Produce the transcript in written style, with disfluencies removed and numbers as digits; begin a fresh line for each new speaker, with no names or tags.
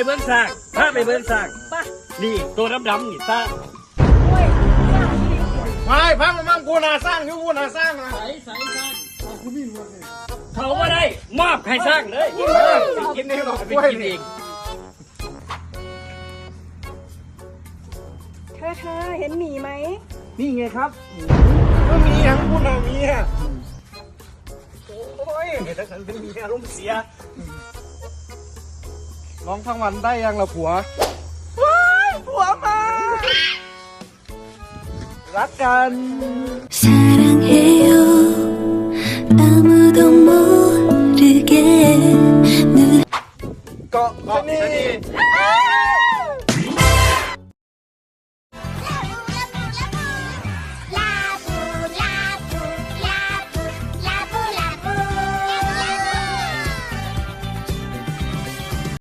เบิ้งสร้างพาไปเบิ้งสร้างนี่ตัวดำๆนี่สร้าง
ไม่พังมั่งกูนาสร้างคือกูนาสร้างนะ
ใส่สร้างเขาไม่ได้มอบให้สร้างเลย
กินเองหรอก
ไป
กล้วย
กินเอง
เธอเห็นหมีไหม
นี่ไงครับก็มีทั้งกูนามีอ่ะโอ้ยถ้าฉันเป็นเมียอารมณ์เสียร้องทั้งวันได้ยังล่ะผัวว้ายผัวมารักกันเกาะชะนี